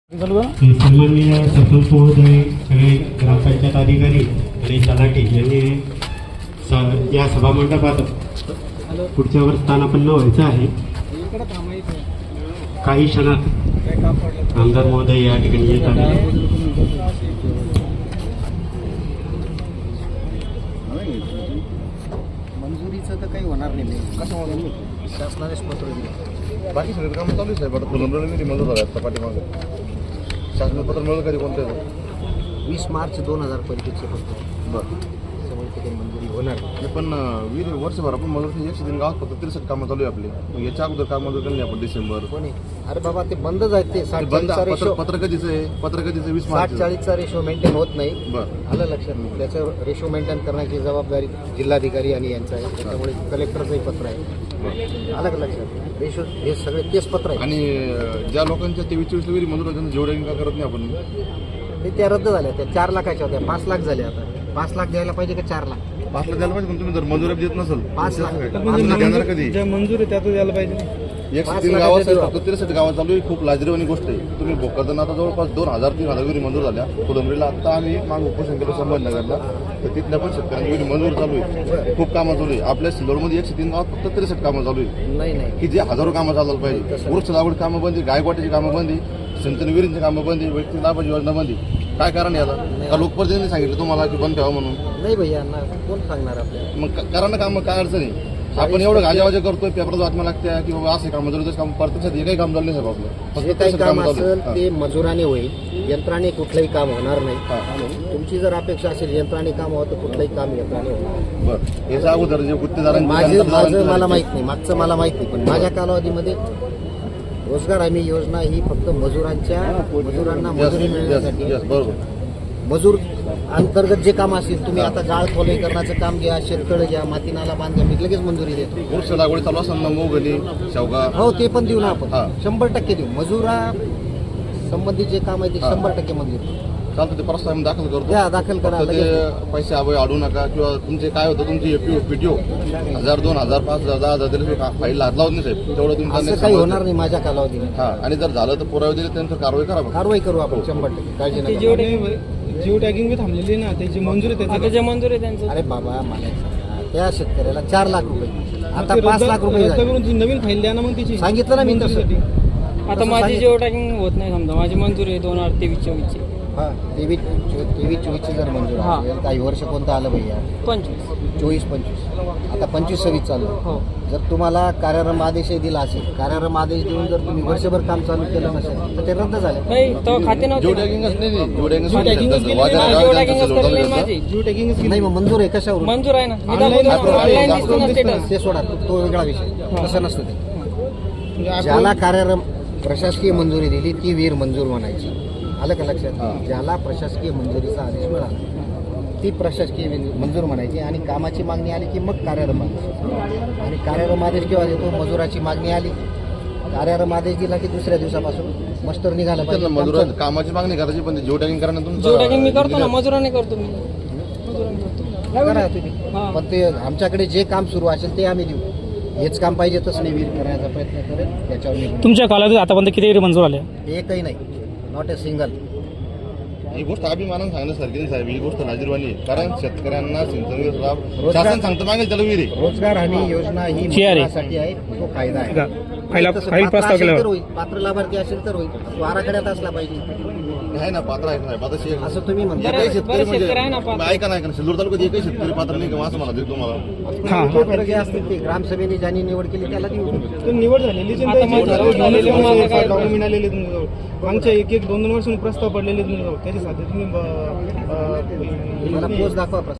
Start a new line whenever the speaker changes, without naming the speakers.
सन्माननीय सरपंच महोदय, सगळे ग्रामपंचायत अधिकारी आणि तलाठी यांनी या सभामंडपात पुढच्या वर स्थानापन्न व्हायचं आहे. काही क्षणात आमदार महोदय या ठिकाणी येत आहे.
मंजुरीचं तर काही होणार नाही. कसं शासनानेच पत्र दिलं.
बाकी सगळे कामं चालू आहे साहेब. आता फुलंब्रवणी मंजूर झाले आता पाठीमागं शासन पत्र मिळेल कधी कोणत्या
20 मार्च 2000 पर्यंतचे पत्र.
बरं
त्यामुळे ते काही मंजुरी होणार नाही.
पण वर्षभर आपण मंजूर 103 गावात फक्त 63 कामं चालू आहे आपली. मग याच्या अगोदर काम मंजूर केलं नाही आपण डिसेंबर.
कोणी अरे बाबा ते बंदच आहेत. ते
बंद
60-40चा रेशो
पत्र कधीचं आहे? पत्र कधीचं 20 मार्च
60-40चा रेशो मेंटेन होत नाही.
बरं
आलं लक्षात. त्याचं रेशो मेंटेन करण्याची जबाबदारी जिल्हाधिकारी आणि यांचा आहे. त्याच्यामुळे कलेक्टरचंही पत्र आहे. आलं का लक्षात. रेशो हे सगळे तेच पत्र आहे.
आणि ज्या लोकांच्या 23-24 विहिरी मंजूर होत्या त्यांना जेवढ्या का करत नाही आपण.
ते त्या रद्द झाल्या. त्या 4 लाखाच्या होत्या 5 लाख झाल्या. आता 5 लाख द्यायला पाहिजे का 4 लाख?
5 लाख द्यायला पाहिजे. पण तुम्ही जर मंजुरी देत नसेल
5 लाख
देणार कधी?
ज्या मंजूर आहे त्यातच द्यायला पाहिजे.
103 गावात फक्त 63 गावात चालू आहे. खूप लाजरीवाणी गोष्ट आहे. तुम्ही भोकरदन आता जवळपास 2000-3000 विहिरी मंजूर झाल्या. फुलंब्रीला आता आम्ही माग उपोषण केलं संभाजीनगरला, तर तिथल्या पण शेतकऱ्यांची विहिरी मंजूर चालू आहे. खूप कामं चालू आहे. आपल्या सिल्लोडमध्ये 103 गावात फक्त 63 कामं चालू आहे.
नाही
की जे हजारो कामं चालवायला पाहिजे. वृक्ष लागवड कामं बंदी, गायकवाटाची कामं बंदी, सिंचन विहिरींची कामं बंदी, व्यक्ती लाभाची योजना बंदी. काय कारण याला? का लोकप्रतिनिधींनी सांगितलं तुम्हाला की बंद ठेवा म्हणून?
नाही भैया ना, कोण सांगणार आपल्याला?
मग करा ना कामं, काय अडचण आहे? आपण एवढं गाजावाजा करतोय, पेपरात बातम्या लागत्या की बाबा असे काम जरूर काम प्रत्यक्षात हे काही काम झालं नाही साहेब आपलं.
जे काही काम असेल ते मजुराने होईल. यंत्राने कुठलंही काम होणार नाही. तुमची जर अपेक्षा असेल यंत्राने काम व्हावं तर कुठलंही काम यंत्राने होणार.
बरं याच्या अगोदर जे गुत्तेदारांची
माझं मला माहित नाही, मागचं मला माहित नाही. पण माझ्या कालावधीमध्ये रोजगार हमी योजना ही फक्त मजुरांना मजुरी मिळण्यासाठी.
बरोबर.
मजूर अंतर्गत जे काम असेल, तुम्ही आता जाळ खोलीकरणाचं काम घ्या, शेततळ घ्या, माती नाला बांध घ्या, मी लगेच मंजुरी देतो.
वृक्ष लागवड चालू असताना मोगली शेवगा
हो ते पण देऊ ना आपण.
हा.
100% देऊ. मजुरा संबंधित जे काम आहे ते 100% मंजूर
चालतं. ते प्रस्ताव आम्ही दाखल करतो.
द्या, दाखल करा.
फक्त ते पैसे अभय अडू नका. किंवा तुमचे काय होतं तुमची पीटीओ 1000, 2000, 5000, 10,000 दिले फाईल हात लावत नाही साहेब. तेवढं
असं
तुमचं
काही होणार नाही माझ्या कालावधीने.
हा. आणि जर झालं तर पुरावे दिले त्यांचं कारवाई करा.
कारवाई करू आपण 100%. काळजी नका.
जिओ टॅगिंग बी थांबलेली आहे ना, त्याची मंजूर आहे. आता जे मंजूर आहे त्यांचं.
अरे बाबा मला एक सांगा, त्या शेतकऱ्याला 4 लाख रुपये, आता 5 लाख रुपये
रद्द
झाले.
करून नवीन फाईल द्या ना मग तिची.
सांगितलं ना मी तसं.
आता माझी जिओ टॅगिंग होत नाही समजा. माझी मंजूर आहे 2023-24 ची.
हा 23-24 जर मंजूर
हा.
असेल, काही वर्ष कोणतं आलं भैया?
25.
24-25 आता 25-26 चालू आहे.
हो.
जर तुम्हाला कार्यारंभ आदेशही दिला असेल, कार्यारंभ आदेश देऊन जर तुम्ही वर्षभर काम चालू केलं नसेल तर ते रद्द झाले.
नाही तो खाते नव्हते.
जिओ टॅगिंगच नाही. जिओ
जिओ टॅगिंगच केलेली नाही. जिओ टॅगिंगच केलेली नाही माझी. जिओ टॅगिंगच
नाही मग मंजूर आहे कशावर?
मंजूर आहे ना.
ऑनलाईन
दिसतो ना स्टेटस.
ते सोडा, तो वेगळा विषय. तसं नसतं ते.
म्हणजे
ज्याला कार्यारंभ प्रशासकीय मंजुरी दिली ती वीर मंजूर म्हणायची. आलं का लक्षात?
हा.
ज्याला प्रशासकीय मंजुरीचा आदेश मिळाला ती प्रशासकीय मंजूर म्हणायची. आणि कामाची मागणी आली की मग कार्यारंभ आदेश. आणि कार्यारंभ आदेश केव्हा देतो? मजुराची मागणी आली, कार्यारंभ आदेश दिला की दुसऱ्या दिवसापासून मस्टर निघाला पाहिजे.
मजुरा कामाची मागणी करायची, पण जिओ टॅगिंग करण्यात
जिओ टॅगिंग मी करतो ना, मजुराने करतो मी.
करा तुम्ही.
हा.
पण ते आमच्याकडे जे काम सुरू असेल ते आम्ही देऊ. हेच काम पाहिजे तसं नाही, वीर करण्याचा प्रयत्न करेल. त्याच्यावर मी
तुमच्या कालावधीत आतापर्यंत किती मंजूर आले?
एकही नाही, नॉट ए सिंगल.
ही गोष्ट अभिमानानं सांगण्यासारखी नाही साहेब. ही गोष्ट लाजीरवाणी आहे. कारण शेतकऱ्यांना सिंचन लाभ
रोजगार-
शासन सांगतं मागेल त्याला विहिरी.
रोजगार हमी योजना ही मजुरासाठी आहे. तो फायदा आहे. तसं
फाईल
पात्र
प्रस्ताव
असेल
केल्यावर
तर होईल, पात्र लाभार्थी असेल तर होईल. तो आराखड्यात असला पाहिजे.
आहे ना पात्र आहे साहेब. आता
असं तुम्ही म्हणता.
एकही शेतकरी
बरेच शेतकरी आहे ना
म्हणजे
पात्र.
ऐका नाही का सिल्लोड तालुक्यात एकही शेतकरी पात्र नाही का असं म्हणा तुम्हाला.
पात्र जे असतील ते ग्रामसभेने ज्यांनी निवड केली त्याला देऊ.
तर निवड झालेली डॉक्युमेंट आलेले तुमच्याजवळ. मागच्या 1-2 वर्षांनी प्रस्ताव पडलेले तुमच्याजवळ. त्याच्यासाठी तुम्ही
मला पोच दाखवा.